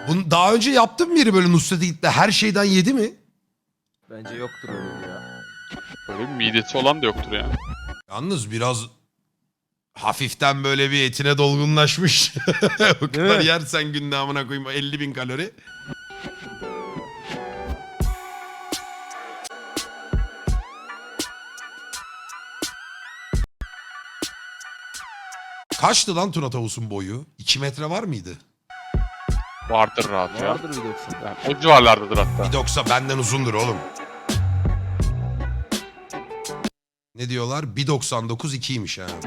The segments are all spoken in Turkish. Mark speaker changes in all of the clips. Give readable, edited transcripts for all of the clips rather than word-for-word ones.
Speaker 1: Bunu daha önce yaptın mı biri böyle Nusret'e gitti her şeyden yedi mi?
Speaker 2: Bence yoktur öyle ya.
Speaker 3: Böyle bir midesi olan da yoktur ya.
Speaker 1: Yalnız biraz hafiften böyle bir etine dolgunlaşmış. O kadar
Speaker 2: mi?
Speaker 1: yersen günde amına koyayım 50.000 kalori. Kaçtı lan Tuna Tavus'un boyu? 2 metre var mıydı?
Speaker 3: Vardır rahat ya.
Speaker 2: Vardır bir 90.
Speaker 3: Yani o civarlardadır hatta.
Speaker 1: 1.90 benden uzundur oğlum. Ne diyorlar? 1.99 2'ymiş ha.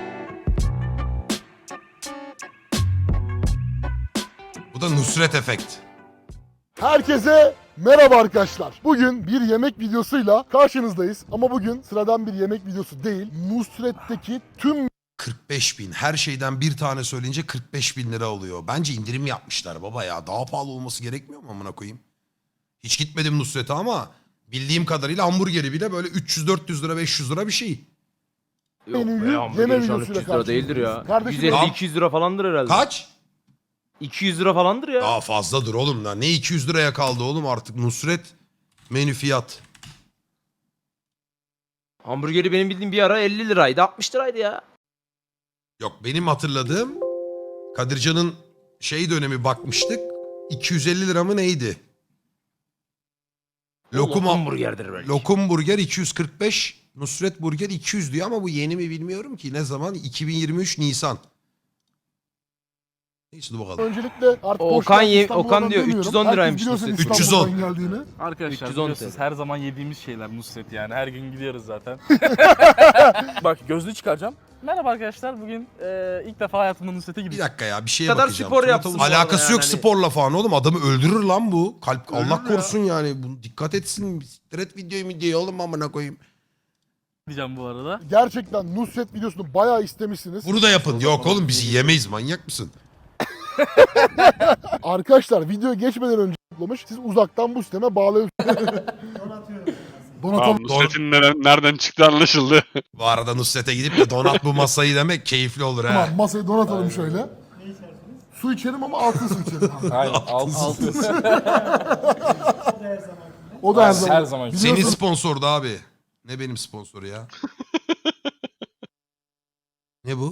Speaker 1: Bu da Nusret efekt.
Speaker 4: Herkese merhaba arkadaşlar. Bugün bir yemek videosuyla karşınızdayız. Ama bugün sıradan bir yemek videosu değil. Nusret'teki tüm
Speaker 1: 45.000. Her şeyden bir tane söyleyince 45.000 lira oluyor. Bence indirim yapmışlar baba ya. Daha pahalı olması gerekmiyor mu amına koyayım? Hiç gitmedim Nusret'e ama bildiğim kadarıyla hamburgeri bile böyle 300-400 lira 500 lira bir şey.
Speaker 2: Yok
Speaker 4: menüyü
Speaker 2: be
Speaker 4: yeme
Speaker 2: hamburger şu an
Speaker 4: videosuyla
Speaker 2: 300 lira değildir ya.
Speaker 4: Kardeşim,
Speaker 2: 150-200 lira falandır herhalde.
Speaker 1: Kaç?
Speaker 2: 200 lira falandır ya.
Speaker 1: Daha fazladır oğlum da. Ne 200 liraya kaldı oğlum artık Nusret menü fiyat.
Speaker 2: Hamburgeri benim bildiğim bir ara 50 liraydı 60 liraydı ya.
Speaker 1: Yok benim hatırladığım Kadircan'ın şey dönemi bakmıştık. 250 lira mı neydi? Lokum,
Speaker 2: hamburgerdir belki.
Speaker 1: lokum burger 245, Nusret burger 200 diyor ama bu yeni mi bilmiyorum ki. Ne zaman? 2023 Nisan. Neyse dur bakalım.
Speaker 4: öncelikle artık
Speaker 2: Okan
Speaker 4: boşver,
Speaker 2: ye-
Speaker 4: İstanbul'dan
Speaker 2: Okan diyor,
Speaker 4: demiyorum.
Speaker 2: 310 liraymış
Speaker 4: Herkes biliyorsun
Speaker 2: Nusret.
Speaker 4: İstanbul'dan
Speaker 1: 310.
Speaker 4: geldiğini.
Speaker 5: Arkadaşlar
Speaker 2: 310
Speaker 5: biliyorsunuz
Speaker 2: TL.
Speaker 5: her zaman yediğimiz şeyler Nusret yani. Her gün gidiyoruz zaten. Bak gözlüğü çıkaracağım. Merhaba arkadaşlar bugün ilk defa hayatımda Nusret'e
Speaker 1: Bir
Speaker 5: gidiyorum.
Speaker 1: dakika ya bir şeye
Speaker 2: kadar
Speaker 1: bakacağım.
Speaker 2: spor
Speaker 1: Tuna
Speaker 2: yapsın
Speaker 1: Tavus-
Speaker 2: bu arada
Speaker 1: Alakası
Speaker 2: yani
Speaker 1: yok
Speaker 2: hani.
Speaker 1: sporla falan oğlum. Adamı öldürür lan bu. Kalp Allah
Speaker 5: Öldürür ya.
Speaker 1: korusun yani. Bunu dikkat etsin. Siktir videoyu mu diye oğlum amına koyayım.
Speaker 5: Diyeceğim bu arada.
Speaker 4: Gerçekten Nusret videosunu bayağı istemişsiniz.
Speaker 1: Bunu da yapın. Yok oğlum bizi yemeyiz manyak mısın?
Speaker 4: Arkadaşlar video geçmeden önce toplamış. Siz uzaktan bu sisteme bağlayabilirsiniz.
Speaker 3: Tamam,
Speaker 4: Donatalım.
Speaker 3: Nusret'in nereden çıktı anlaşıldı.
Speaker 1: Bu arada Nusret'e gidip de donat bu masayı demek keyifli olur ha.
Speaker 4: Tamam, masayı donatalım şöyle. Su içerim ama altın su içerim.
Speaker 5: Aynen altın.
Speaker 4: O da her zaman.
Speaker 5: Her zaman.
Speaker 1: Senin
Speaker 4: Biliyorsun,
Speaker 1: sponsordu abi. Ne benim sponsoru ya? Ne bu?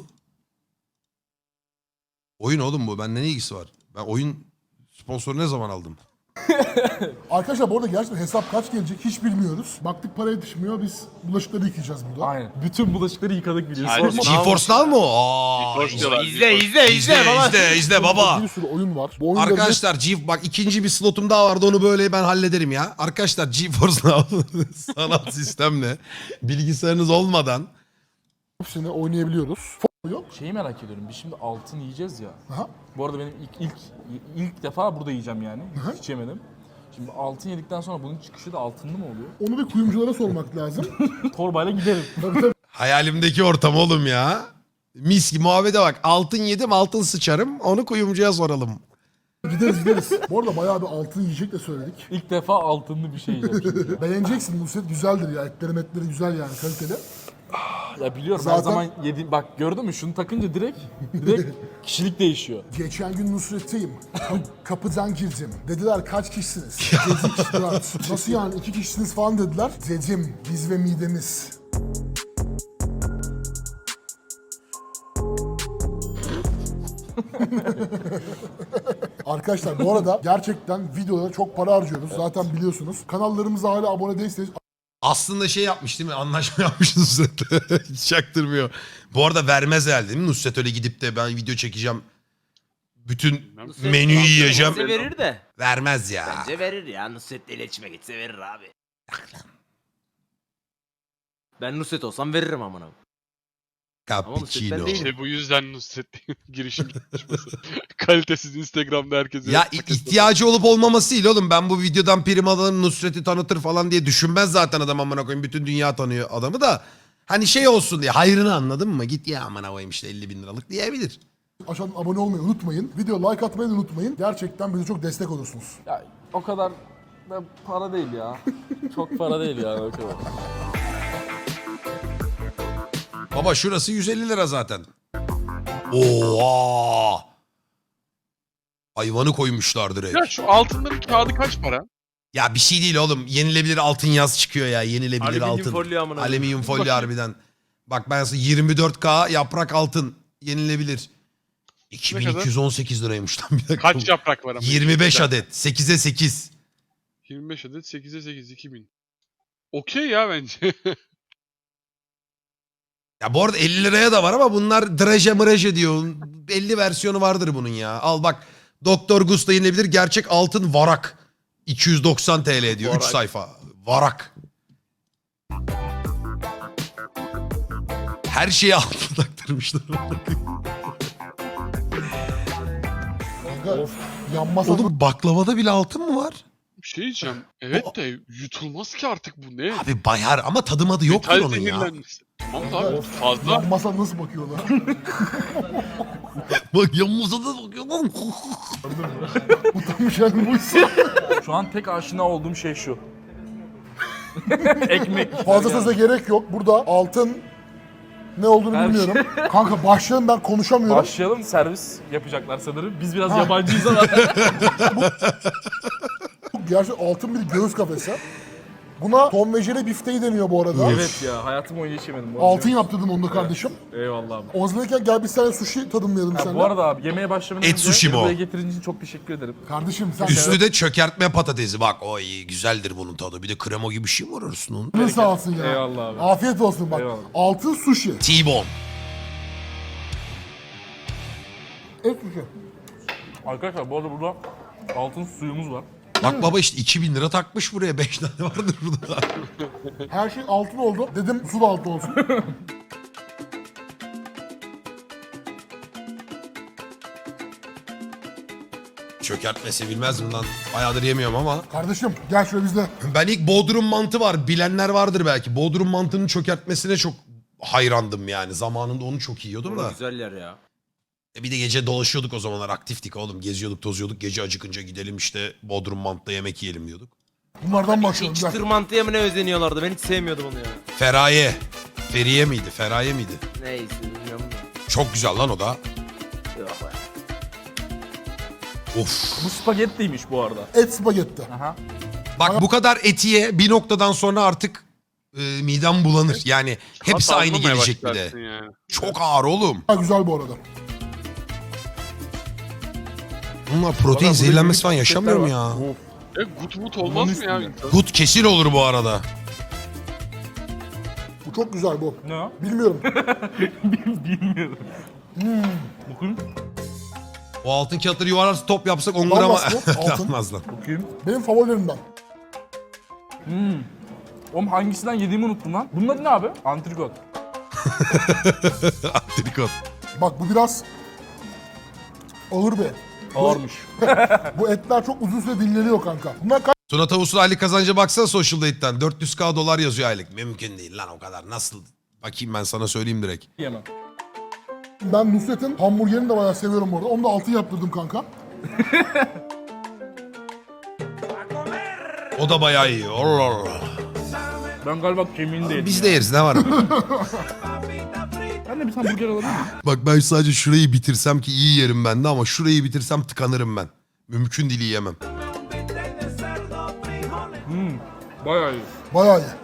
Speaker 1: Oyun oğlum bu. Bende ne ilgisi var? Ben oyun sponsoru ne zaman aldım?
Speaker 4: Arkadaşlar bu arada gerçekten hesap kaç gelecek hiç bilmiyoruz. Baktık para yetişmiyor, biz bulaşıkları yıkayacağız burada.
Speaker 5: Aynen. Bütün bulaşıkları yıkadık biliyorsun.
Speaker 3: Aynen.
Speaker 1: GeForce Now mu? Aa,
Speaker 3: Hoş diyorlar.
Speaker 1: izle izle baba.
Speaker 4: Bir sürü oyun var. Bu oyunları
Speaker 1: Arkadaşlar bak ikinci bir slotum daha vardı onu böyle ben hallederim ya. Arkadaşlar GeForce Now sanal sistemle bilgisayarınız olmadan
Speaker 4: hepsini oynayabiliyoruz. Yok.
Speaker 5: Şeyi merak ediyorum. Biz şimdi altın yiyeceğiz ya.
Speaker 4: Aha.
Speaker 5: Bu arada benim ilk defa burada yiyeceğim yani. Hiç yemedim. Şimdi altın yedikten sonra bunun çıkışı da altınlı mı oluyor?
Speaker 4: Onu bir kuyumculara sormak lazım.
Speaker 5: Torbayla giderim.
Speaker 4: Tabii tabii.
Speaker 1: hayalimdeki ortam oğlum ya. Mis gibi muhabbete bak. Altın yedim altın sıçarım onu kuyumcuya soralım.
Speaker 4: Gideriz. Bu arada bayağı bir altın yiyecek de söyledik.
Speaker 5: İlk defa altınlı bir şey yiyeceğim şimdi.
Speaker 4: Beğeneceksin, Nusret güzeldir ya. Etleri güzel yani, kaliteli.
Speaker 5: Ya biliyorum her
Speaker 4: Zaten-
Speaker 5: zaman yediğim... Bak gördün mü şunu takınca direkt kişilik değişiyor.
Speaker 4: Geçen gün Nusret'teyim. Kapıdan girdim. Dediler kaç kişisiniz? Dedik 4. Nasıl yani 2 kişisiniz falan dediler. Dedim biz ve midemiz. Arkadaşlar bu arada gerçekten videolara çok para harcıyoruz. Zaten biliyorsunuz. Kanallarımıza hala abone değilseniz
Speaker 1: Aslında şey yapmış değil mi? Anlaşma yapmış Nusret. Hiç çaktırmıyor. Bu arada vermez herhalde değil mi? Nusret öyle gidip de ben video çekeceğim. Bütün
Speaker 2: Nusret
Speaker 1: menüyü yiyeceğim.
Speaker 2: Bence verir de.
Speaker 1: Vermez ya.
Speaker 2: Bence verir ya. Nusret'le iletişime geçse verir abi. Ben Nusret olsam veririm amına. Ama Nusret ben
Speaker 1: Cappuccino.
Speaker 2: değilim.
Speaker 3: İşte bu yüzden Nusret girişim gitmişmesi. Kalitesiz Instagram'da herkese.
Speaker 1: Ya ihtiyacı olup olmaması değil oğlum. Ben bu videodan prim alırım Nusret'i tanıtır falan diye düşünmez zaten adam amına koyayım. Bütün dünya tanıyor adamı da. Hani şey olsun diye hayrını anladın mı? Git ya amına koyayım işte 50.000 liralık diyebilir.
Speaker 4: aşağıdan abone olmayı unutmayın. Video like atmayı da unutmayın. Gerçekten bize çok destek olursunuz.
Speaker 5: Ya o kadar da para değil ya. Çok para değil yani o kadar.
Speaker 1: Baba şurası 150 lira zaten. Oha! Hayvanı koymuşlar direkt.
Speaker 3: Ya şu altınların kağıdı kaç para?
Speaker 1: Ya bir şey değil oğlum. Yenilebilir altın yaz çıkıyor ya. Yenilebilir
Speaker 2: Alüminyum
Speaker 1: altın.
Speaker 2: folyo amına.
Speaker 1: Alüminyum folyo
Speaker 3: Bakayım.
Speaker 1: harbiden. Bak ben sana 24K yaprak altın yenilebilir.
Speaker 3: Ne kadar?
Speaker 1: 2218 liraymış lan bir dakika.
Speaker 3: Kaç yaprak var ama?
Speaker 1: 25 adet. 8'e 8.
Speaker 3: 25 adet 8'e 8 2000. Okey ya bence.
Speaker 1: Ya bu arada 50 liraya da var ama bunlar draje mıraje diyor. 50 versiyonu vardır bunun ya. Al bak Doktor Gusta yenilebilir gerçek altın varak. 290 TL diyor. 3
Speaker 2: Varak.
Speaker 1: sayfa. Varak. Her şeyi altın taktırmışlar.
Speaker 4: Kanka yanmasa
Speaker 1: Oğlum baklavada bile altın mı var?
Speaker 3: Bir şey diyeceğim. Evet de yutulmaz ki artık bu ne?
Speaker 1: Abi bayar ama tadı madı yoktur
Speaker 3: Metal
Speaker 1: onun ya.
Speaker 3: zehirlenmesi. Tamam da abi fazla.
Speaker 4: yanmasa nasıl bakıyorlar?
Speaker 1: Bak yanımıza da sokuyor lan.
Speaker 4: Utanmış yani buysa.
Speaker 5: Şu an tek aşina olduğum şey şu. Ekmek.
Speaker 4: Fazla söze gerek yok. Burada altın ne olduğunu
Speaker 5: Her
Speaker 4: bilmiyorum. Kanka başlayalım, ben konuşamıyorum.
Speaker 5: Başlayalım, servis yapacaklar sanırım. Biz biraz
Speaker 4: Ha.
Speaker 5: yabancıyız ama.
Speaker 4: Gerçi altın bir göğüs kafesi. Buna Tom ve Jerry bifteği deniyor bu arada.
Speaker 5: Evet ya, hayatım boyunca hiç yemedim. bu
Speaker 4: Altın
Speaker 5: arada.
Speaker 4: yaptırdım onu da kardeşim.
Speaker 5: Eyvallah abi.
Speaker 4: Ozluyken gel bir tane sushi tadımlayalım
Speaker 5: Ha,
Speaker 4: seninle.
Speaker 5: bu arada abi yemeğe başlamadan
Speaker 1: Et
Speaker 5: önce
Speaker 1: sushi bu.
Speaker 5: buraya getirdiğin için çok teşekkür ederim.
Speaker 4: Kardeşim sen
Speaker 1: Üstü de çökertme patatesi. Bak o iyi güzeldir bunun tadı. Bir de krema gibi bir şey mi var arasında?
Speaker 4: ne sağ olsun ya.
Speaker 5: Eyvallah abi.
Speaker 4: Afiyet olsun bak.
Speaker 5: Eyvallah.
Speaker 4: Altın sushi.
Speaker 1: T-bone.
Speaker 4: Et sushi.
Speaker 5: Arkadaşlar bu arada burada altın suyumuz var.
Speaker 1: Bak baba işte 2000 lira takmış buraya. 5 tane vardır burada.
Speaker 4: Her şey altın oldu. Dedim su da altın olsun.
Speaker 1: Çökertme sevilmez mi lan? Bayağıdır yemiyorum ama.
Speaker 4: Kardeşim gel şöyle bizde.
Speaker 1: Ben ilk Bodrum mantı var. Bilenler vardır belki. Bodrum mantının çökertmesine çok hayrandım yani. Zamanında onu çok yiyordum da.
Speaker 2: Güzel yer ya.
Speaker 1: Bir de gece dolaşıyorduk o zamanlar. Aktiftik oğlum. Geziyorduk, tozuyorduk. Gece acıkınca gidelim işte Bodrum mantıda yemek yiyelim diyorduk.
Speaker 4: Bunlardan başlayalım. Gel.
Speaker 2: Çıtır mantıya mı ne özeniyorlardı? Ben hiç sevmiyordum onu ya.
Speaker 1: Feraye. Feriye miydi? Feraye miydi?
Speaker 2: Neyse bilmiyorum da.
Speaker 1: Çok güzel lan o da.
Speaker 2: Yok be.
Speaker 1: Of.
Speaker 5: Bu spagettiymiş bu arada.
Speaker 4: Et spagetti.
Speaker 5: Aha.
Speaker 1: Bak bu kadar etiye bir noktadan sonra artık midem bulanır. Yani hepsi
Speaker 3: Tat
Speaker 1: aynı
Speaker 3: almamaya
Speaker 1: gelecek bir de.
Speaker 3: başlarsın yani.
Speaker 1: Çok ağır oğlum.
Speaker 4: Ha, güzel bu arada.
Speaker 1: Bunlar protein
Speaker 5: Valla
Speaker 1: zehirlenmesi
Speaker 5: burada
Speaker 1: falan
Speaker 5: büyük
Speaker 1: yaşamıyor mu
Speaker 5: şirketler
Speaker 1: ya?
Speaker 5: var. Of.
Speaker 3: Gut mut olmaz mı ya?
Speaker 5: üstünde.
Speaker 3: insan?
Speaker 1: Gut kesin olur bu arada.
Speaker 4: Bu çok güzel bu.
Speaker 5: Ne o?
Speaker 4: Bilmiyorum.
Speaker 5: Bilmiyorum. Bakayım.
Speaker 1: O altın kağıtları yuvarlarsa top yapsak 10 gram...
Speaker 4: Olmaz mı? Altın.
Speaker 1: Olmaz lan.
Speaker 5: Bakayım.
Speaker 4: Benim favorilerimden.
Speaker 5: Oğlum hangisinden yediğimi unuttum lan. Bunun adı ne abi? Antrikot.
Speaker 1: Antrikot.
Speaker 4: Bak bu biraz ağır bir et.
Speaker 5: Ağırmış.
Speaker 4: Bu etler çok uzun süre dinleniyor kanka. Bunlar kaç
Speaker 1: Tuna Tavus'un aylık kazanca baksana Social Date'den. 400k dolar yazıyor aylık. Mümkün değil lan o kadar. Nasıl? Bakayım ben sana söyleyeyim direkt.
Speaker 5: Yemem.
Speaker 4: Ben Nusret'in hamburgerini de bayağı seviyorum orada. Onu da altın yaptırdım kanka.
Speaker 1: O da bayağı iyi. Allah Allah.
Speaker 5: Ben galiba kemiğini de yedim.
Speaker 1: Biz de yeriz ne var?
Speaker 5: Ben de bir tane burger alabilir miyim?
Speaker 1: Bak ben sadece şurayı bitirsem ki iyi yerim ben de ama şurayı bitirsem tıkanırım ben. Mümkün değil yiyemem.
Speaker 5: Bayağı iyi.
Speaker 4: Bayağı iyi.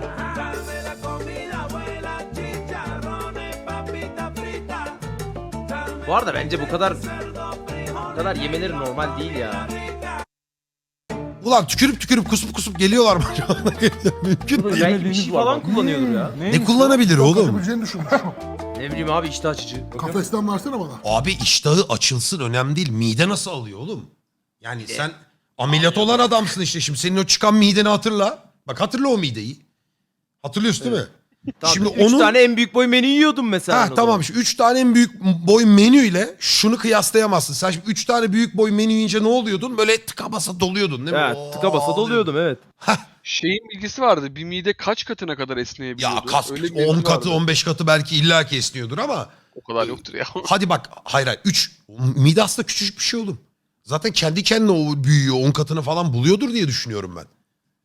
Speaker 2: Bu arada bence bu kadar yemeleri normal değil ya.
Speaker 1: Ulan tükürüp tükürüp kusup kusup geliyorlar mı acaba? Mümkün değil.
Speaker 2: Belki bir
Speaker 5: Yemediğimiz
Speaker 2: şey
Speaker 5: var
Speaker 2: falan
Speaker 5: bak.
Speaker 2: kullanıyordur ya.
Speaker 1: Ne kullanabilir oğlum?
Speaker 4: Kaçabileceğini düşünmüş.
Speaker 2: Ne bileyim abi iştah açıcı.
Speaker 4: Kafesten versene bana.
Speaker 1: Abi iştahı açılsın önemli değil. Mide nasıl alıyor oğlum? Yani sen ameliyat olan adamsın işte. Şimdi senin o çıkan mideni hatırla. Bak hatırla o mideyi. Hatırlıyorsun değil mi?
Speaker 2: Tamam,
Speaker 1: Şimdi
Speaker 2: 3
Speaker 1: onun...
Speaker 2: tane en büyük boy menü yiyordum mesela.
Speaker 1: Ha
Speaker 2: ben o
Speaker 1: tamam
Speaker 2: zaman.
Speaker 1: işte 3 tane en büyük boy menüyle şunu kıyaslayamazsın. Sen şimdi 3 tane büyük boy menü yiyince ne oluyordun? Böyle tıka basa doluyordun değil mi?
Speaker 2: Evet, tıka basa doluyordum evet.
Speaker 3: Şeyin bilgisi vardı. Bir mide kaç katına kadar esneyebiliyordu?
Speaker 1: Ya kas
Speaker 3: Öyle bir
Speaker 1: 10
Speaker 3: bilgi
Speaker 1: katı
Speaker 3: vardı.
Speaker 1: 15 katı belki illaki esniyordur ama
Speaker 3: O kadar yoktur ya.
Speaker 1: hadi bak hayır 3 mide aslında küçücük bir şey oğlum. Zaten kendi kendine o büyüyor 10 katını falan buluyordur diye düşünüyorum ben.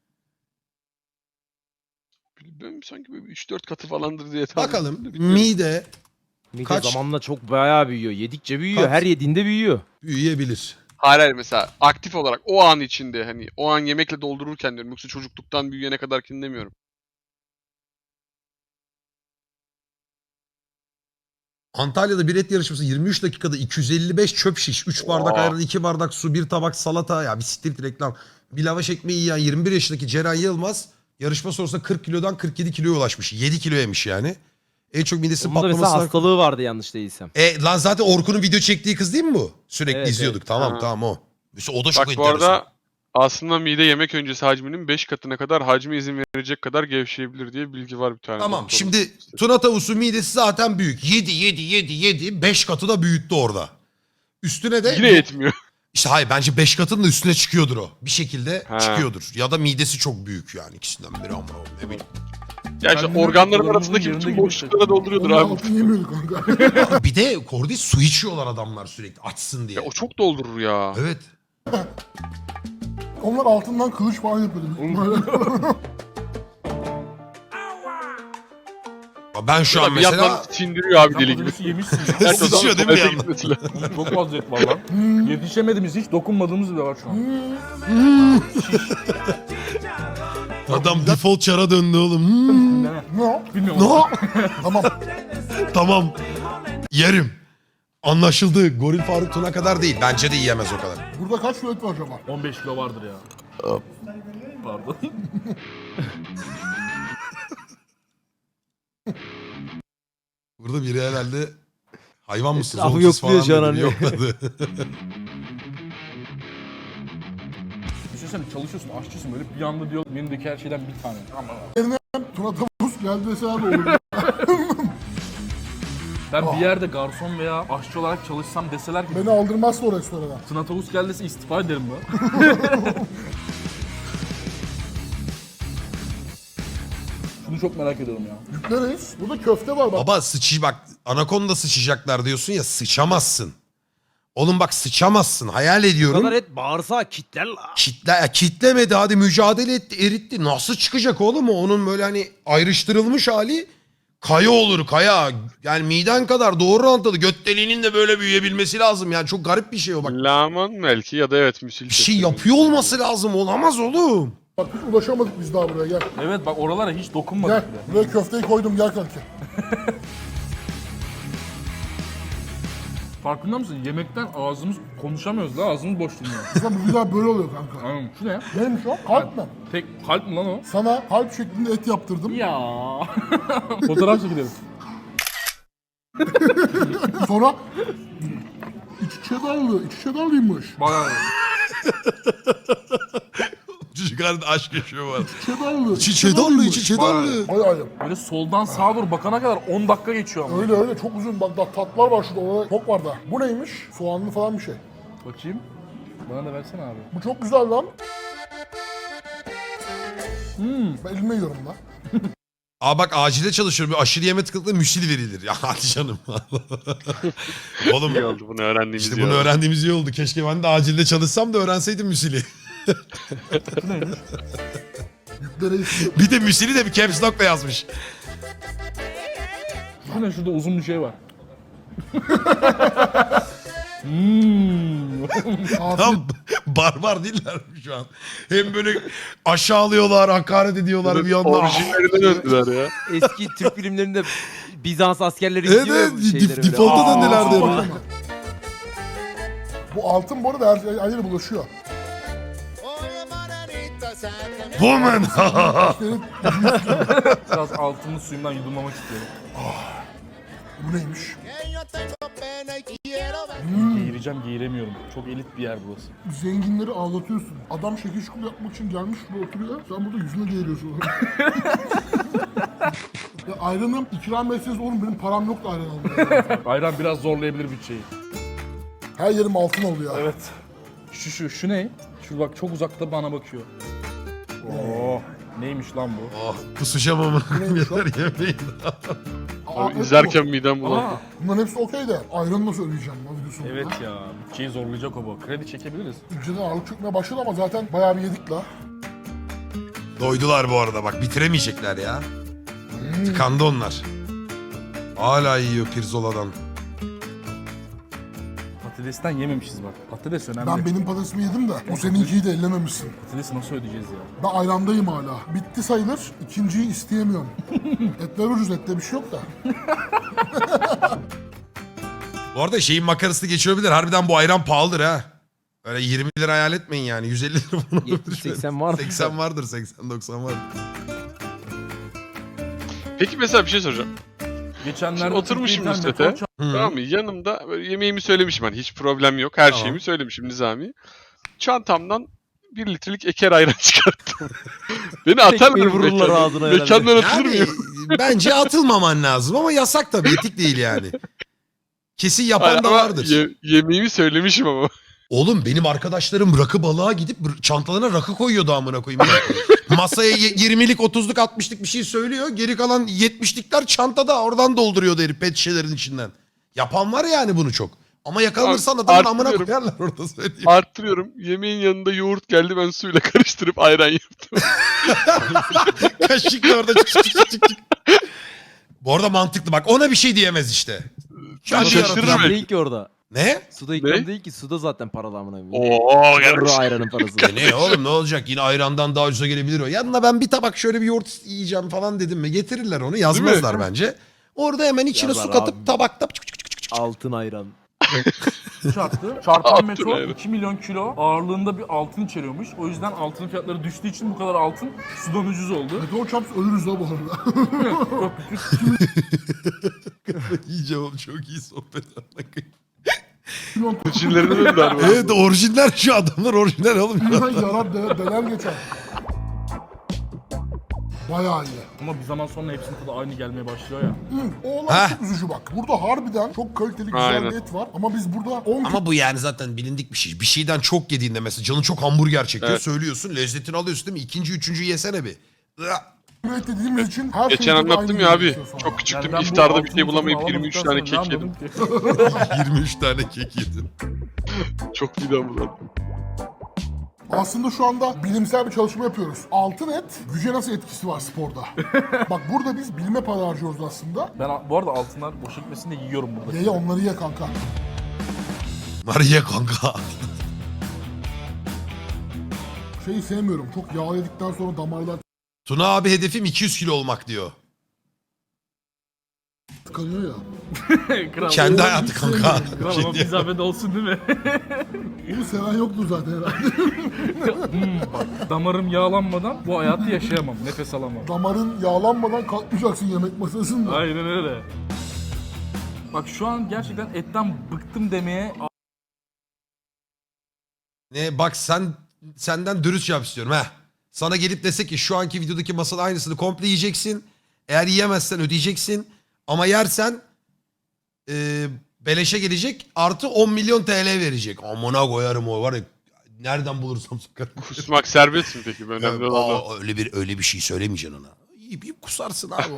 Speaker 3: Ben sanki böyle 3-4 katı falandır diye tahmin
Speaker 1: Bakalım
Speaker 3: ettim de bilmiyorum.
Speaker 1: mide
Speaker 2: Mide
Speaker 1: Kaç?
Speaker 2: zamanla çok bayağı büyüyor. Yedikçe büyüyor.
Speaker 1: Kaç?
Speaker 2: Her yediğinde büyüyor.
Speaker 1: büyüyebilir.
Speaker 3: Hayır mesela aktif olarak o an içinde hani o an yemekle doldururken diyorum. Yoksa çocukluktan büyüyene kadarkini demiyorum.
Speaker 1: Antalya'da bir et yarışması 23 dakikada 255 çöp şiş, 3 bardak
Speaker 3: Oha.
Speaker 1: ayran, 2 bardak su, 1 tabak salata. Ya bir siktir reklam. Bir lavaş ekmeği yiyen 21 yaşındaki Ceren Yılmaz yarışma sonrasında 40 kilodan 47 kiloya ulaşmış. 7 kilo yemiş yani. En çok midesi
Speaker 2: Onun da mesela
Speaker 1: patlamasına...
Speaker 2: hastalığı vardı yanlış değilsem.
Speaker 1: Lan zaten Orkun'un video çektiği kız değil mi bu? Sürekli
Speaker 2: Evet,
Speaker 1: izliyorduk.
Speaker 2: evet.
Speaker 1: Tamam
Speaker 3: Ha.
Speaker 1: tamam o. Mesela o da çok
Speaker 3: Bak bu
Speaker 1: enteresan.
Speaker 3: arada aslında mide yemek öncesi hacminin 5 katına kadar hacmi izin verecek kadar gevşeyebilir diye bilgi var bir tane.
Speaker 1: Tamam
Speaker 3: doktorun.
Speaker 1: şimdi tuna tavusu midesi zaten büyük. 7. 5 katı da büyüttü orada. Üstüne de...
Speaker 3: Yine yetmiyor.
Speaker 1: İşte hayır bence 5 katının da üstüne çıkıyordur o. Bir şekilde
Speaker 3: Ha.
Speaker 1: çıkıyordur. Ya da midesi çok büyük yani ikisinden biri ama ne bileyim.
Speaker 3: Ya işte
Speaker 5: Kendini
Speaker 3: organların
Speaker 5: kullanımın
Speaker 3: arasındaki
Speaker 5: yerinde
Speaker 3: bütün
Speaker 5: gibi
Speaker 3: boşluklara dolduruyordur
Speaker 4: Onun
Speaker 3: abi.
Speaker 4: altını yemiyorduk kanka.
Speaker 1: Bir de Kordi su içiyorlar adamlar sürekli açsın diye.
Speaker 3: Ya o çok doldurur ya.
Speaker 1: Evet.
Speaker 4: Onlar altından kılıç falan yapıyordu.
Speaker 1: Ben şu an
Speaker 3: Bir yandan
Speaker 1: mesela...
Speaker 3: sindiriyor abi
Speaker 5: Sen
Speaker 3: deli gibi.
Speaker 5: patatesi yemişsin ya.
Speaker 3: Gerçekten
Speaker 1: Sıçıyor değil mi bir
Speaker 3: tuvalete
Speaker 1: yandan?
Speaker 3: gitmesi lazım.
Speaker 5: Çok fazla et var lan. Yetişemediğimiz hiç dokunmadığımız bile var şu an.
Speaker 1: Adam default çara döndü oğlum.
Speaker 5: Ne?
Speaker 4: Ne o?
Speaker 5: Bilmiyorum.
Speaker 1: No.
Speaker 4: Tamam.
Speaker 1: Tamam. Yerim. Anlaşıldı. Goril Faruk Tuna kadar değil. Bence de yiyemez o kadar.
Speaker 4: Burada kaç kilo et var acaba?
Speaker 5: 15 kilo vardır ya. Pardon.
Speaker 1: Burada biri herhalde hayvan mısınız
Speaker 2: Etrafı
Speaker 1: oğlum siz
Speaker 2: yokluyor şu an
Speaker 1: falan dedi.
Speaker 2: hani.
Speaker 1: Yokladı.
Speaker 5: Düşünsene çalışıyorsun, aşçısın böyle bir anda diyor menüdeki her şeyden bir tane. Aman.
Speaker 4: Tuna tavus geldi deseler de olur.
Speaker 5: Ben bir yerde garson veya aşçı olarak çalışsam deseler ki
Speaker 4: Beni aldırmazsa o restorana.
Speaker 5: Tuna tavus geldi dese istifa ederim ben. Şunu çok merak ediyorum ya.
Speaker 4: Yükleriz. Burada köfte var bak.
Speaker 1: Baba bak anakonda sıçacaklar diyorsun ya sıçamazsın. Oğlum bak sıçamazsın hayal
Speaker 2: Bu
Speaker 1: ediyorum.
Speaker 2: kadar et bağırsağı kitler la.
Speaker 1: Kitlemedi hadi mücadele etti eritti. Nasıl çıkacak oğlum o? Onun böyle hani ayrıştırılmış hali kaya olur kaya. Yani miden kadar doğru rantalı göt deliğinin de böyle büyüyebilmesi lazım. Yani çok garip bir şey o bak.
Speaker 3: Laman belki ya da evet müsil.
Speaker 1: Bir şey yapıyor olması lazım olamaz oğlum.
Speaker 4: Bak hiç ulaşamadık biz daha buraya gel.
Speaker 5: Evet bak oralara hiç
Speaker 4: Gel.
Speaker 5: dokunmadık bile.
Speaker 4: Buraya köfteyi koydum gel kanki.
Speaker 5: Farkında mısın? Yemekten ağzımız konuşamıyoruz da ağzımız boş dinliyor.
Speaker 4: Mesela bu güzel böyle oluyor kanka.
Speaker 5: Anladın şu ne?
Speaker 4: Neymiş o? Kalp mi?
Speaker 5: Tek kalp mi lan o?
Speaker 4: Sana kalp şeklinde et yaptırdım.
Speaker 5: Ya. Fotoğraf çekelim.
Speaker 4: Sonra içi cheddarlı, içi cheddarlıymış.
Speaker 5: Bayağı.
Speaker 1: Çocuklarda aşk yaşıyor var.
Speaker 4: Cheddarlı.
Speaker 1: İçi çedarlı içi çedarlı.
Speaker 4: Bayağı iyi.
Speaker 5: Böyle soldan sağa doğru bakana kadar 10 dakika geçiyor ama.
Speaker 4: Öyle öyle çok uzun bak daha tatlar var şurada orada çok var da. Bu neymiş? Soğanlı falan bir şey.
Speaker 5: Bakayım. Bana da versene abi.
Speaker 4: Bu çok güzel lan. Ben elime yiyorum lan.
Speaker 1: Aa bak acilde çalışıyorum. Bir aşırı yeme tıkanıklığı müsil verilir. Ya hadi canım. Oğlum
Speaker 3: İyi oldu bunu öğrendiğimiz
Speaker 1: işte
Speaker 3: ya.
Speaker 1: bunu öğrendiğimiz iyi oldu. Keşke ben de acilde çalışsam da öğrenseydim müsili.
Speaker 5: Şu neymiş?
Speaker 4: Yüklere istiyor.
Speaker 1: Bir de müsili de bir caps lock'la yazmış.
Speaker 5: Şu ne? Şurada uzun bir şey var.
Speaker 4: Afiyet.
Speaker 1: Tam barbar değiller mi şu an? Hem böyle aşağılıyorlar, hakaret ediyorlar bir yandan.
Speaker 3: Orijinlerine döndüler ya.
Speaker 2: Eski Türk filmlerinde Bizans askerleri
Speaker 1: Evet,
Speaker 2: izliyor ya bu şeyleri böyle.
Speaker 1: default'a
Speaker 2: Aa,
Speaker 1: döndüler diyorum.
Speaker 4: Bakma. Bu altın bu arada her yere bulaşıyor.
Speaker 1: Woman.
Speaker 4: Senin,
Speaker 5: Biraz altını suyumdan yudumlamak istiyorum.
Speaker 4: bu neymiş?
Speaker 5: Geğireceğim, geğiremiyorum. Çok elit bir yer burası.
Speaker 4: Zenginleri ağlatıyorsun. Adam şekil şukul yapmak için gelmiş burada oturuyor. Sen burada yüzüne değiriyorsun. Ya ayranım ikram etseniz oğlum benim param yok da ayran almaya.
Speaker 5: Ayran biraz zorlayabilir bütçeyi.
Speaker 4: Her yerim altın oluyor.
Speaker 5: Evet. Şu ne? Şu bak çok uzakta bana bakıyor. Oo. Neymiş lan bu?
Speaker 1: Oh, kusacağım ama.
Speaker 4: Neymiş o?
Speaker 1: Yeter yemeyin.
Speaker 4: Aa,
Speaker 3: Abi
Speaker 4: evet
Speaker 3: izlerken midem bulandı.
Speaker 5: Aa,
Speaker 4: Bunların hepsi okey de ayranı nasıl ödeyeceğim lan videosu
Speaker 5: evet ya. Bütçeyi zorlayacak o bu. Kredi çekebiliriz.
Speaker 4: Önceden ağırlık çökmeye başladı ama zaten bayağı bir yedik la.
Speaker 1: Doydular bu arada bak bitiremeyecekler ya. Tıkandı onlar. Hala yiyor pirzoladan.
Speaker 5: Patatesten yememişiz bak. Patates önemli.
Speaker 4: Ben benim patatesimi yedim de o seninkiyi de ellememişsin.
Speaker 5: Patatesi nasıl ödeyeceğiz ya?
Speaker 4: Ben ayrandayım hala. Bitti sayılır. İkinciyi isteyemiyorum. Etler ucuz, ette bir şey yok da.
Speaker 1: Bu arada şeyin makarasını geçirebilir. Harbiden bu ayran pahalıdır ha. Öyle 20 lira hayal etmeyin yani. 150 lira falan olabilir.
Speaker 2: 70-80 vardır.
Speaker 1: 80 vardır, 80-90 vardır.
Speaker 3: Peki mesela bir şey soracağım.
Speaker 5: Geçenlerde
Speaker 3: Şimdi oturmuşum
Speaker 5: Türkiye
Speaker 3: Nusret'e.
Speaker 5: İnternet
Speaker 3: Tamam mı? Yanımda böyle yemeğimi söylemişim hani hiç problem yok. Her
Speaker 1: Tamam.
Speaker 3: şeyimi söylemişim Nizami. Çantamdan 1 litrelik eker ayran çıkarttım. Beni atarlar
Speaker 2: Tekmeyi vururlar
Speaker 3: mekandan.
Speaker 2: ağzına herhalde.
Speaker 3: Mekandan atılır
Speaker 1: Yani
Speaker 3: mıyım?
Speaker 1: bence atılmaman lazım ama yasak tabii. Etik değil yani. Kesin yapan da
Speaker 3: Ama
Speaker 1: vardır.
Speaker 3: yemeğimi söylemişim ama.
Speaker 1: Oğlum benim arkadaşlarım rakı balığa gidip çantalarına rakı koyuyordu amına koyayım. Masaya 20'lik 30'luk 60'lık bir şey söylüyor. Geri kalan 70'likler çantada oradan dolduruyordu herif pet şişelerin içinden. Yapan var yani bunu çok. Ama yakalanırsan adamın amına
Speaker 3: Arttırıyorum.
Speaker 1: koyarlar orada söyleyeyim.
Speaker 3: Arttırıyorum. Yemeğin yanında yoğurt geldi ben suyla karıştırıp ayran yaptım.
Speaker 1: Kaşıkla orada çık çık çık çık. Bu arada mantıklı bak ona bir şey diyemez işte. Kendi
Speaker 3: şaşırırım.
Speaker 1: yaratıcı.
Speaker 2: İkram değil ki orada.
Speaker 1: Ne?
Speaker 2: Suda ikram
Speaker 3: Ne?
Speaker 2: değil ki. Suda zaten paralı amına koyayım.
Speaker 3: Oo
Speaker 2: Yarı ayranın parası.
Speaker 1: Ne oğlum ne olacak yine ayrandan daha ucuza gelebilir o. Yanına ben bir tabak şöyle bir yoğurt yiyeceğim falan dedim mi getirirler onu yazmazlar bence. Orada hemen içine
Speaker 2: Yazar
Speaker 1: su katıp
Speaker 2: abi.
Speaker 1: tabakta
Speaker 2: Altın ayran.
Speaker 5: çarptı. Çarpan
Speaker 3: Altın
Speaker 5: meteor
Speaker 3: ayran.
Speaker 5: 2 milyon kilo ağırlığında bir altın içeriyormuş. O yüzden altın fiyatları düştüğü için bu kadar altın sudan ucuz oldu.
Speaker 4: Meteor çarpsa ölürüz la bu arada.
Speaker 1: yiyeceğim oğlum çok iyi sohbet.
Speaker 3: Çinlerine döndüler bu.
Speaker 1: Evet orijinal şu adamlar orijinal oğlum.
Speaker 4: Hemen yarar deler geçer. Bayağı iyi.
Speaker 5: Ama bir zaman sonra hepsinin tadı aynı gelmeye başlıyor ya.
Speaker 4: O olay çok üzücü bak. Burada harbiden çok kaliteli güzel
Speaker 3: Aynen.
Speaker 4: bir et var. Ama biz burada 10
Speaker 1: Ama bu yani zaten bilindik bir şey. Bir şeyden çok yediğinde mesela canın çok hamburger çekiyor
Speaker 3: Evet.
Speaker 1: söylüyorsun lezzetini alıyorsun değil mi? İkinci üçüncü yesene bir.
Speaker 4: kilo et dediğimiz için her
Speaker 3: Geçen
Speaker 4: şeyin tadı
Speaker 3: anlattım
Speaker 4: aynı
Speaker 3: ya abi.
Speaker 4: geliyor sonra.
Speaker 3: Çok küçüktüm.
Speaker 5: Yani ben bu
Speaker 3: İftarda bir
Speaker 5: altın
Speaker 3: şey bulamayıp
Speaker 5: tadını
Speaker 3: 23
Speaker 5: alamadıktan
Speaker 3: tane
Speaker 5: sonra
Speaker 3: kek
Speaker 5: ne
Speaker 3: yedim.
Speaker 5: anladım ki?
Speaker 1: 23 tane kek yedin.
Speaker 3: Çok midem bulandı.
Speaker 4: Aslında şu anda bilimsel bir çalışma yapıyoruz. Altın et güce nasıl etkisi var sporda? Bak burada biz bilime para harcıyoruz aslında.
Speaker 5: Ben bu arada altınlar boşa gitmesin de yiyorum burada.
Speaker 4: Ye onları ye kanka.
Speaker 1: Var ye kanka.
Speaker 4: Şeyi sevmiyorum. Çok yağ yedikten sonra damarlar
Speaker 1: Tuna abi hedefim 200 kilo olmak diyor.
Speaker 4: tıkanıyor ya.
Speaker 5: Kral,
Speaker 1: Kendi
Speaker 4: hiç
Speaker 1: hayatı kanka.
Speaker 4: sevmiyorum.
Speaker 5: kral ama bir zahmet olsun değil mi?
Speaker 4: Bunu seven yoktur zaten herhalde.
Speaker 5: Bak, damarım yağlanmadan bu hayatı yaşayamam. Nefes alamam.
Speaker 4: Damarın yağlanmadan kalkmayacaksın yemek masasında.
Speaker 5: Aynen öyle. Bak şu an gerçekten etten bıktım demeye
Speaker 1: Ne bak senden dürüst yap istiyorum ha. Sana gelip dese ki şu anki videodaki masanın aynısını komple yiyeceksin. Eğer yiyemezsen ödeyeceksin. Ama yersen beleşe gelecek artı 10 milyon TL verecek. Amına koyarım o var ya. Nereden bulursam sokarım.
Speaker 3: Kusmak serbest mi peki? Önemli olan o.
Speaker 1: Öyle bir şey söylemeyeceksin ona. Yiyip kusarsın abi.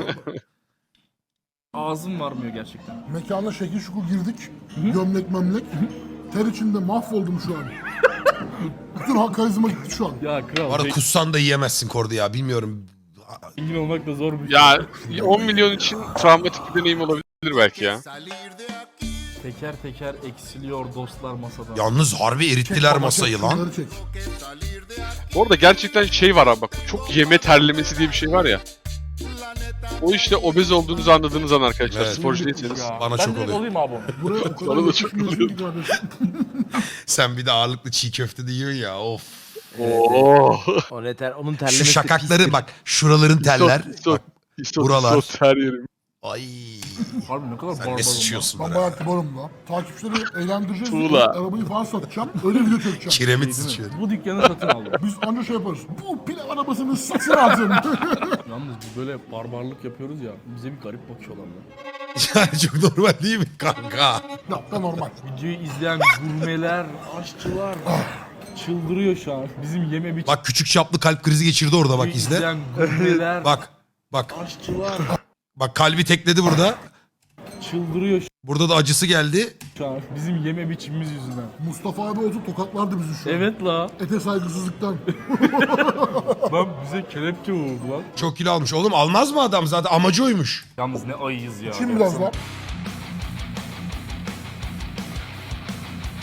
Speaker 5: ağzım varmıyor gerçekten.
Speaker 4: Mekana şekil şukul girdik. Gömlek memlek. Ter içinde mahvoldum şu an. Bütün karizma gitti şu an.
Speaker 5: Ya kral,
Speaker 1: Bu arada kussan da yiyemezsin Kordi ya bilmiyorum.
Speaker 5: zengin olmak da zor bir şey.
Speaker 3: Ya 10 milyon için travmatik bir deneyim olabilir belki ya.
Speaker 5: Teker teker eksiliyor dostlar masadan.
Speaker 1: Yalnız harbi erittiler
Speaker 4: Baba,
Speaker 1: masayı
Speaker 4: çek,
Speaker 1: lan.
Speaker 4: şunları çek.
Speaker 3: Orada gerçekten şey var abi bak. Çok yeme terlemesi diye bir şey var ya. O işte obez olduğunuzu anladığınız an arkadaşlar.
Speaker 1: Evet.
Speaker 3: Sporcu değilseniz.
Speaker 5: Ya,
Speaker 1: Bana
Speaker 5: ben
Speaker 1: çok
Speaker 5: direkt
Speaker 1: oluyor.
Speaker 5: olayım abi onu.
Speaker 4: Buraya o kadar
Speaker 3: Bana da çok
Speaker 4: yakışmıyorsun ki kardeşim.
Speaker 1: Sen bir de ağırlıklı çiğ köfte de yiyorsun ya of.
Speaker 3: Oo.
Speaker 2: O ne onun terlemesi
Speaker 1: Şu
Speaker 2: de
Speaker 1: şakakları
Speaker 2: pistir.
Speaker 1: bak şuraların teller. Bak, buralar.
Speaker 3: Isot her yerim.
Speaker 1: ay
Speaker 5: Harbi ne kadar
Speaker 1: sen ne
Speaker 5: barbarım
Speaker 1: sıçıyorsun
Speaker 4: Ben
Speaker 1: bana.
Speaker 4: bayağı kibarım la. Takipçileri eğlendireceğiz.
Speaker 3: Tuğla.
Speaker 4: Arabayı falan satacağım. Öyle video çekeceğim.
Speaker 1: Kiremit
Speaker 5: Değil mi?
Speaker 1: sıçıyor.
Speaker 5: Bu dükkanı satın aldım.
Speaker 4: Biz anca şey yaparız. Bu pilav arabasını satın alacağım.
Speaker 5: Yalnız biz böyle barbarlık yapıyoruz ya. Bize bir garip bakıyorlar lan.
Speaker 1: Yani çok normal değil mi kanka?
Speaker 4: Ya da normal.
Speaker 5: Videoyu izleyen gurmeler, aşçılar çıldırıyor şu an. Bizim yeme biçimimizi
Speaker 1: Bak küçük çaplı kalp krizi geçirdi orada bak izle.
Speaker 5: izleyen gurmeler,
Speaker 1: Bak
Speaker 5: aşçılar
Speaker 1: bak kalbi tekledi burada.
Speaker 5: çıldırıyor
Speaker 1: Burada da acısı geldi.
Speaker 5: şu an. Bizim yeme biçimimiz yüzünden.
Speaker 4: Mustafa abi olsa tokatlardı bizi şu an.
Speaker 5: Evet la.
Speaker 4: Ete saygısızlıktan.
Speaker 5: Lan bize kelepçe vurdu lan.
Speaker 1: Çok kilo almış. Oğlum almaz mı adam zaten amacı oymuş.
Speaker 5: Yalnız ne ayıyız ya.
Speaker 4: Şimdi biraz daha.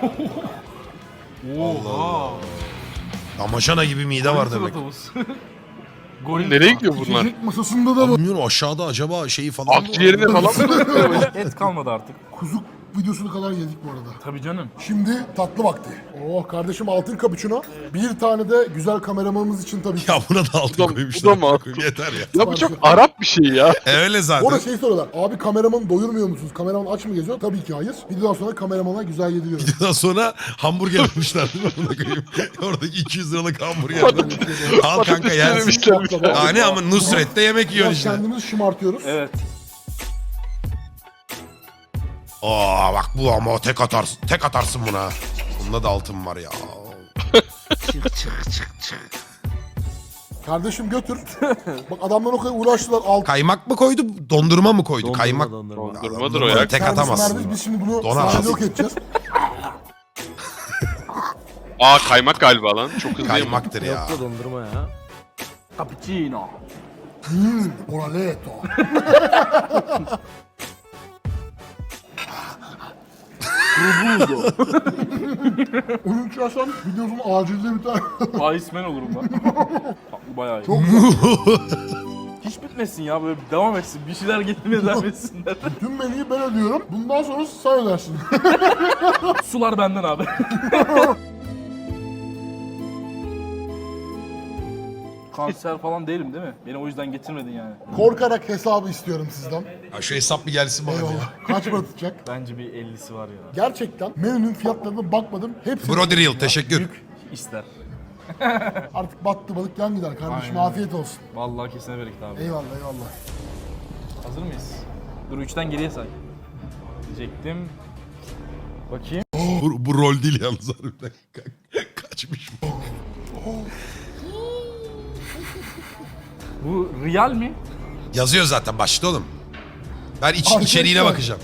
Speaker 5: Oha.
Speaker 1: Damaşana gibi mide var demek.
Speaker 5: Goril
Speaker 3: Nereye gidiyor bunlar?
Speaker 4: İçecek masasında da var.
Speaker 1: Bilmiyorum aşağıda acaba şeyi falan mı var?
Speaker 3: Akciğerine falan mı?
Speaker 5: Et kalmadı artık.
Speaker 4: Kuzu videosunu kadar yedik bu arada.
Speaker 5: Tabii canım.
Speaker 4: Şimdi tatlı vakti. Oh kardeşim altın cappuccino. Bir tane de güzel kameramanımız için tabii ki.
Speaker 1: Ya buna da altın
Speaker 3: Bu da-
Speaker 1: koymuşlar.
Speaker 3: bu da mı altın?
Speaker 1: Yeter ya.
Speaker 3: Ya bu çok Arap bir şey ya.
Speaker 1: Öyle
Speaker 4: Orada
Speaker 1: zaten.
Speaker 4: şey soruyorlar. Abi kameramanı doyurmuyor musunuz? Kameraman aç mı geziyor? Tabii ki hayır. Videodan sonra kameramana güzel yediriyoruz.
Speaker 1: Videodan sonra hamburger yapmışlar değil mi? Buna koyayım. Oradaki 200 liralık hamburger. Al kanka yersin.
Speaker 3: Yememişler bir kere.
Speaker 1: Hani ama Nusret'te yemek yiyorsun
Speaker 4: Biraz
Speaker 1: işte.
Speaker 4: kendimizi şımartıyoruz.
Speaker 5: Evet.
Speaker 1: Aa bak bu ama tek atarsın. Tek atarsın buna. Bunda da altın var ya.
Speaker 4: Kardeşim götür. Bak adamlar o kadar uğraştılar. Altın
Speaker 1: Kaymak mı koydu, dondurma mı koydu? Kaymak.
Speaker 3: Dondurmadır o ya.
Speaker 1: Tek
Speaker 4: servis
Speaker 1: atamazsın.
Speaker 4: mervis. Biz şimdi bunu
Speaker 1: Donar.
Speaker 4: sahnede yok edeceğiz.
Speaker 3: Aa kaymak galiba lan. Çok hızlı.
Speaker 1: Kaymaktır ya.
Speaker 2: Yok da dondurma ya.
Speaker 5: Cappuccino.
Speaker 4: Oraleto. Onun içersen videosun acilde biter.
Speaker 5: Iceman olurum ben. Tatlı bayağı iyi.
Speaker 4: Çok güzel.
Speaker 5: Hiç bitmesin ya böyle devam etsin. Bir şeyler getirmeye devam etsinler.
Speaker 4: Tüm menüyü ben ödüyorum. Bundan sonra sen ödersin.
Speaker 5: Sular benden abi. Kanser falan değilim değil mi? Beni o yüzden getirmedin yani.
Speaker 4: Korkarak hesabı istiyorum sizden.
Speaker 1: Ya şu hesap bir gelsin bana ya.
Speaker 4: Eyvallah. Kaç para tutacak?
Speaker 5: Bence bir 50'si var ya.
Speaker 4: Gerçekten menünün fiyatlarına bakmadım. Hepsi
Speaker 1: Brody Real teşekkür.
Speaker 5: Büyük ister.
Speaker 4: artık battı balık yan gider kardeşim.
Speaker 5: Aynen.
Speaker 4: Afiyet olsun.
Speaker 5: Vallahi kesene bereket abi.
Speaker 4: Eyvallah eyvallah.
Speaker 5: Hazır mıyız? Dur 3'ten geriye say. Diyecektim. Bakayım.
Speaker 1: Bu rol değil yalnız harbiden. Kaçmış bu.
Speaker 5: Bu real mi?
Speaker 1: Yazıyor zaten başta oğlum. Ben
Speaker 4: Arkadaşlar.
Speaker 1: içeriğine bakacağım.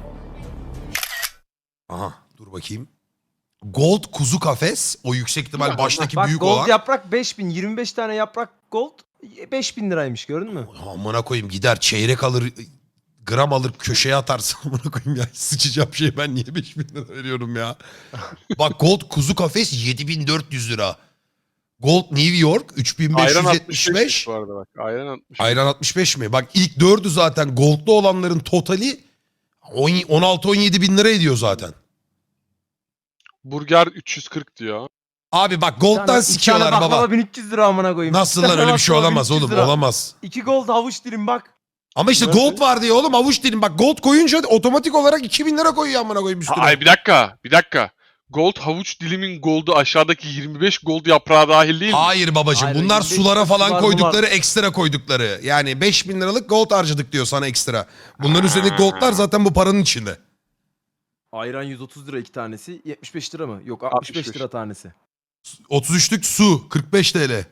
Speaker 1: Aha dur bakayım. Gold kuzu kafes. O yüksek ihtimal baştaki
Speaker 2: Bak
Speaker 1: büyük
Speaker 2: gold
Speaker 1: olan.
Speaker 2: yaprak 5000. 25 tane yaprak gold 5000 liraymış gördün mü?
Speaker 1: Amına koyayım gider çeyrek alır gram alır köşeye atarsın amına koyayım ya. Sıçacağım şey ben niye 5000 lira veriyorum ya. Bak gold kuzu kafes 7400 lira. Gold New York
Speaker 3: Ayran
Speaker 1: 3575.
Speaker 3: 65 bu arada bak. Ayran 65.
Speaker 1: Ayran 65 mi? Bak ilk dördü zaten goldlu olanların totali 16-17 bin lira ediyor zaten.
Speaker 3: Burger 340 diyor.
Speaker 1: Abi bak gold'dan sikiyorlar baba.
Speaker 2: baklava 1300 lira amına koyayım.
Speaker 1: Nasıl
Speaker 2: Bir
Speaker 1: lan
Speaker 2: tane
Speaker 1: öyle bir şey
Speaker 2: baklava
Speaker 1: olamaz
Speaker 2: 1300
Speaker 1: oğlum
Speaker 2: lira.
Speaker 1: olamaz.
Speaker 2: 2 gold havuç dilim bak.
Speaker 1: Ama işte gold var diye oğlum avuç dilim. Bak gold koyunca otomatik olarak 2000 lira koyuyor amına koyayım üstüne.
Speaker 3: Ay bir dakika. Gold havuç dilimin goldu aşağıdaki 25 gold yaprağı dahil değil mi?
Speaker 1: Hayır babacığım
Speaker 2: Hayır,
Speaker 1: bunlar
Speaker 2: 25
Speaker 1: sulara falan
Speaker 2: var,
Speaker 1: koydukları ekstra koydukları. Yani 5000 liralık gold harcadık diyor sana ekstra. Bunların üzerindeki goldlar zaten bu paranın içinde.
Speaker 2: Ayran 130 lira 2 tanesi. 75 lira mı? Yok 65
Speaker 3: 65
Speaker 2: lira tanesi.
Speaker 1: 33'lük su 45 TL.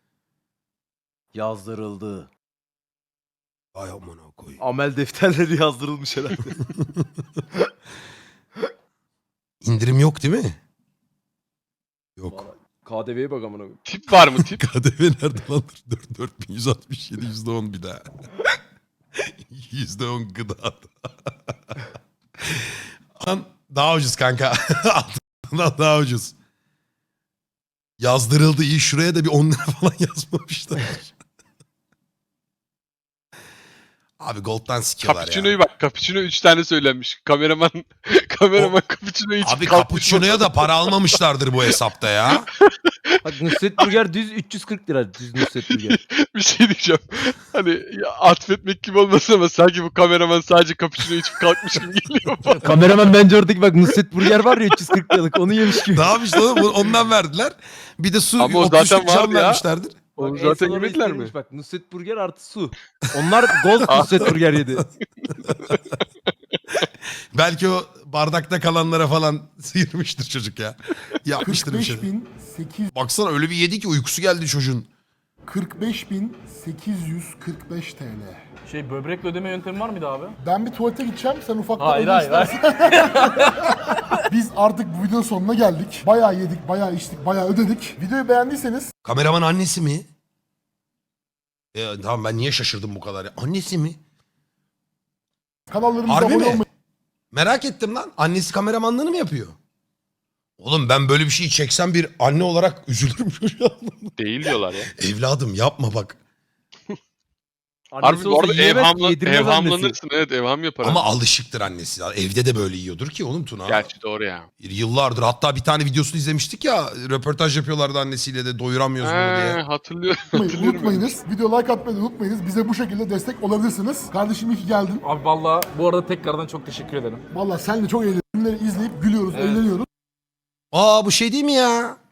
Speaker 2: Yazdırıldı.
Speaker 1: Ay amına koyayım.
Speaker 2: Amel defterleri yazdırılmış herhalde.
Speaker 1: İndirim yok değil mi? Yok.
Speaker 2: KDV'ye bak amına koyayım.
Speaker 3: Tip var mı tip?
Speaker 1: KDV nerede lan? 4167 %10 bir daha. %10 gıda. Lan daha ucuz kanka. Altından daha ucuz. Yazdırıldı iyi şuraya da bir 10 lira falan yazmamışlar. Abi gold'dan sikiyorlar
Speaker 3: Cappuccino'yu
Speaker 1: ya.
Speaker 3: bak. Cappuccino 3 tane söylenmiş. Kameraman cappuccino'yu içip
Speaker 1: Abi
Speaker 3: kalkmış.
Speaker 1: cappuccino'ya da para almamışlardır bu hesapta ya.
Speaker 2: Bak Nusret Burger düz 340 lira düz Nusret Burger.
Speaker 3: Bir şey diyeceğim. Hani ya, atfetmek gibi olmasın ama sanki bu kameraman sadece cappuccino içip kalkmış gibi geliyor bana.
Speaker 2: Kameraman bence oradaki bak Nusret Burger var ya 340 liralık onu yemiş gibi.
Speaker 1: Ne yapmışlar oğlum? Ondan verdiler. Bir de su
Speaker 3: Ama o
Speaker 1: 33'lük
Speaker 3: zaten
Speaker 1: cam
Speaker 3: vardı ya.
Speaker 1: vermişlerdir.
Speaker 2: Bak,
Speaker 3: Onu
Speaker 2: en
Speaker 3: zaten
Speaker 2: son orada
Speaker 3: yemediler mi?
Speaker 2: istenilmiş Bak Nusret Burger artı su. Onlar gold Nusret Burger yedi.
Speaker 1: Belki o bardakta kalanlara falan sıyırmıştır çocuk ya. Yapmıştır bir şey.
Speaker 4: 45.845
Speaker 1: Baksana öyle bir yedi ki uykusu geldi çocuğun.
Speaker 4: 45.845 TL.
Speaker 5: Şey böbrekle ödeme yöntemi var mıydı abi?
Speaker 4: Ben bir tuvalete gideceğim. Sen ufaktan
Speaker 5: Hayır
Speaker 4: öde
Speaker 5: hayır hayır.
Speaker 4: istersen. Biz artık bu videonun sonuna geldik. Bayağı yedik, bayağı içtik, bayağı ödedik. Videoyu beğendiyseniz
Speaker 1: Kameraman annesi mi? Tamam ben niye şaşırdım bu kadar ya? Annesi mi?
Speaker 4: kanallarımıza
Speaker 1: Harbi
Speaker 4: abone
Speaker 1: mi?
Speaker 4: olmayı
Speaker 1: Merak ettim lan. Annesi kameramanlığını mı yapıyor? Oğlum ben böyle bir şey çeksem bir anne olarak üzülürüm çocuğa.
Speaker 3: Değil diyorlar ya.
Speaker 1: Evladım yapma bak.
Speaker 2: Annesi
Speaker 3: Harbi bu
Speaker 2: olsa
Speaker 3: arada
Speaker 2: yiyemez ki, yedirmez annesi.
Speaker 3: evhamlanırsın. Evet evham yapar.
Speaker 1: Ama
Speaker 3: Ama
Speaker 1: alışıktır annesi. Evde de böyle yiyordur ki oğlum Tuna.
Speaker 3: gerçi doğru ya.
Speaker 1: Yıllardır hatta bir tane videosunu izlemiştik ya. Röportaj yapıyorlardı annesiyle de doyuramıyoruz bunu diye.
Speaker 3: Hatırlıyorum.
Speaker 4: Unutmayınız. Video like atmayı unutmayınız. Bize bu şekilde destek olabilirsiniz. Kardeşim iyi ki geldin.
Speaker 5: Abi valla bu arada tekrardan çok teşekkür ederim.
Speaker 4: Vallahi senle çok eğleniyoruz. Filmleri izleyip gülüyoruz,
Speaker 5: Evet.
Speaker 4: eğleniyoruz.
Speaker 1: Aa bu şey değil mi ya?